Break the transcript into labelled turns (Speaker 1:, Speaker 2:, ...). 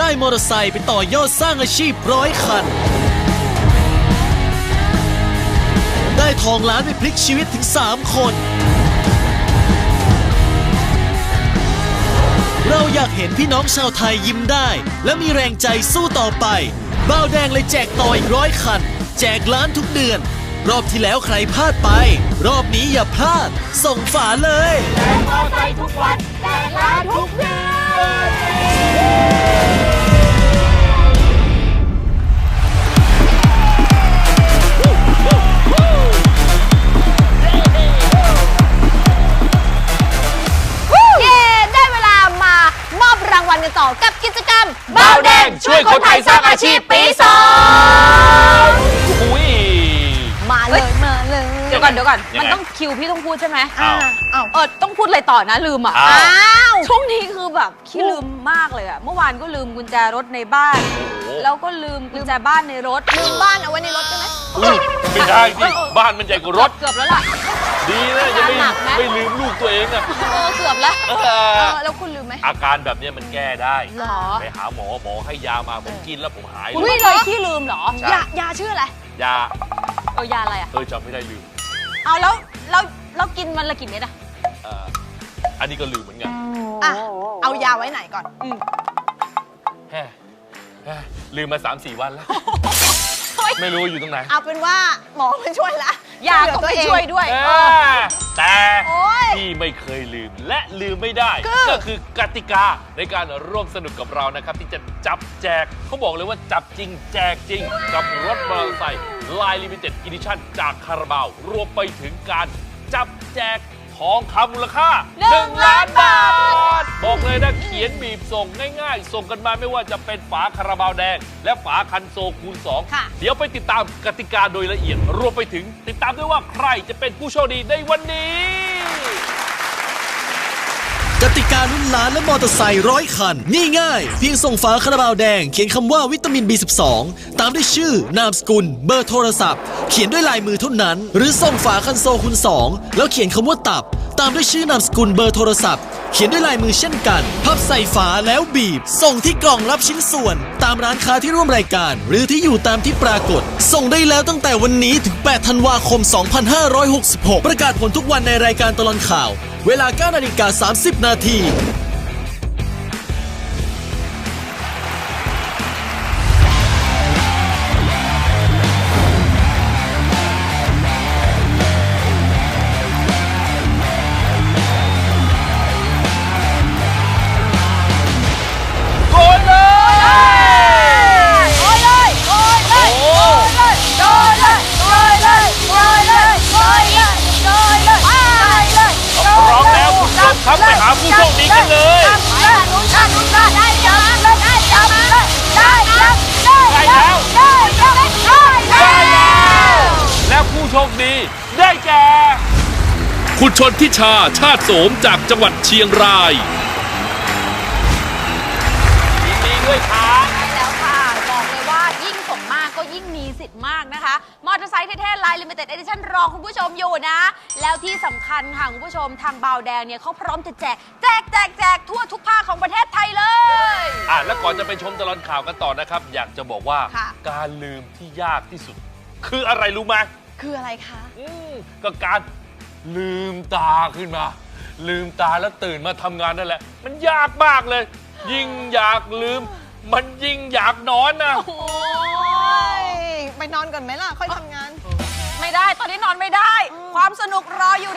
Speaker 1: ได้มอเตอร์ไซค์ไปต่อยอดสร้างอาชีพ100 คันได้ทองล้านไปพลิกชีวิตถึง3 คนเราอยากเห็นพี่น้องชาวไทยยิ้มได้และมีแรงใจสู้ต่อไปบ่าวแดงเลยแจกต่ออีก100 คันแจกล้านทุกเดือนรอบที่แล้วใครพลาดไปรอบนี้อย่าพลาดส่งฝาเลย
Speaker 2: แจกมอไซค์ทุกวันแจกล้านทุกเดือน
Speaker 3: รางวัลกันต่อกับกิจกรรม
Speaker 2: บ่าวแดงช่วยคนไทยสร้างอาชีพปี2อุ้ย
Speaker 3: มาเลยมาเลย
Speaker 4: เดี๋ยวก่อนมันต้องคิวพี่ต้องพูดใช่ไหมต้องพูดอะไรต่อนะลืมช่วงนี้คือแบบขี้ลืมมากเลยอะเมื่อวานก็ลืมกุญแจรถในบ้านแล้วก็ลืมกุญแจบ้านในรถ
Speaker 3: ลืมบ้านเอาไว้ในรถใช่ไหม
Speaker 2: ไม่ได้สิบ้านมันใหญ่กว่ารถ
Speaker 4: เกือบแล้วล่ะ
Speaker 2: ดีนะยังไม่ลืมลูกตัวเองอะ
Speaker 4: เกือบแล้วแล้วคุณลืมไหม
Speaker 2: อาการแบบนี้มันแก้ได้
Speaker 4: หรอ
Speaker 2: ไปหาหมอให้ยามาผมกินแล้วผมหาย
Speaker 4: คุณไม่เลยขี้ลืมหร
Speaker 3: อยาชื่ออะไร
Speaker 2: ยาย
Speaker 4: าอะไรอะ
Speaker 2: จำไม่ได้ลืม
Speaker 4: เอาแล้วกินมันละกี่เม็ดอะ
Speaker 2: อันนี้ก็ลืมเหมือนกัน
Speaker 3: เอายาไว้ไหนก่อน
Speaker 2: ลืมมา 3-4 วันแล้วไม่รู้อยู่ตรงไหน
Speaker 3: เอาเป็นว่าหมอไม่ช่วยละ
Speaker 4: ยาก็ไม่ช่วยด้วย
Speaker 2: แต่ที่ไม่เคยลืมและลืมไม่ได้ก็คือกติกาในการร่วมสนุกกับเรานะครับที่จะจับแจกเขาบอกเลยว่าจับจริงแจกจริงกับรถมอเตอร์ไซค์Line Limited Edition จากคาราบาวรวมไปถึงการจับแจกทองคำมูลค่า1 ล้านบาทบอกเลยนะเขียนบีบส่งง่ายๆส่งกันมาไม่ว่าจะเป็นฝาคาราบาวแดงและฝาคันโซคูณ2เดี๋ยวไปติดตามกติกาโดยละเอียดรวมไปถึงติดตามด้วยว่าใครจะเป็นผู้โชคดีในวันนี้
Speaker 1: กติกาลุ้นล้านและมอเตอร์ไซค์100 คันง่ายๆเพียงส่งฝาคาราบาวแดงเขียนคำว่าวิตามิน B12 ตามด้วยชื่อนามสกุลเบอร์โทรศัพท์เขียนด้วยลายมือเท่านั้นหรือส่งฝาคันโซคูณ2แล้วเขียนคำว่าตับตามด้วยชื่อนามสกุลเบอร์โทรศัพท์เขียนด้วยลายมือเช่นกันพับใส่ฝาแล้วบีบส่งที่กล่องรับชิ้นส่วนตามร้านค้าที่ร่วมรายการหรือที่อยู่ตามที่ปรากฏส่งได้แล้วตั้งแต่วันนี้ถึง8 ธันวาคม 2566ประกาศผลทุกวันในรายการตลอดข่าวเวลา 9:30 นาที
Speaker 2: ครับไปหาผู้โชคดีกันเลยและผู้โชคดีได้แก่คุณชนทิชาชาติโสมจากจังหวัดเชียงรายยินดีด้วยครับ
Speaker 4: ใช่แล้วค่ะบอกเลยว่ายิ่งส่งมากก็ยิ่งมีสิทธิ์มากนะคะมอเตอร์ไซค์เท่ๆ Line Limited Edition รอคุณผู้ชมอยู่นะแล้วที่สำคัญค่ะคุณผู้ชมทางบ่าวแดงเนี่ยเขาพร้อมจะแจกทั่วทุกภาคของประเทศไทยเลย
Speaker 2: แล้วก่อนจะไปชมตลอดข่าวกันต่อนะครับอยากจะบอกว่าการลืมที่ยากที่สุดคืออะไรรู้ไหม
Speaker 3: คืออะไรคะ
Speaker 2: ก็การลืมตาขึ้นมาลืมตาแล้วตื่นมาทำงานนั่นแหละมันยากมากเลยยิ่งอยากลืมมันยิ่งอยากนอนนะ
Speaker 3: โอ้ยไปนอนก่อนไหมล่ะค่อยทำงาน
Speaker 4: ไม่ได้ตอนนี้นอนไม่ได้ความสนุกรออยู่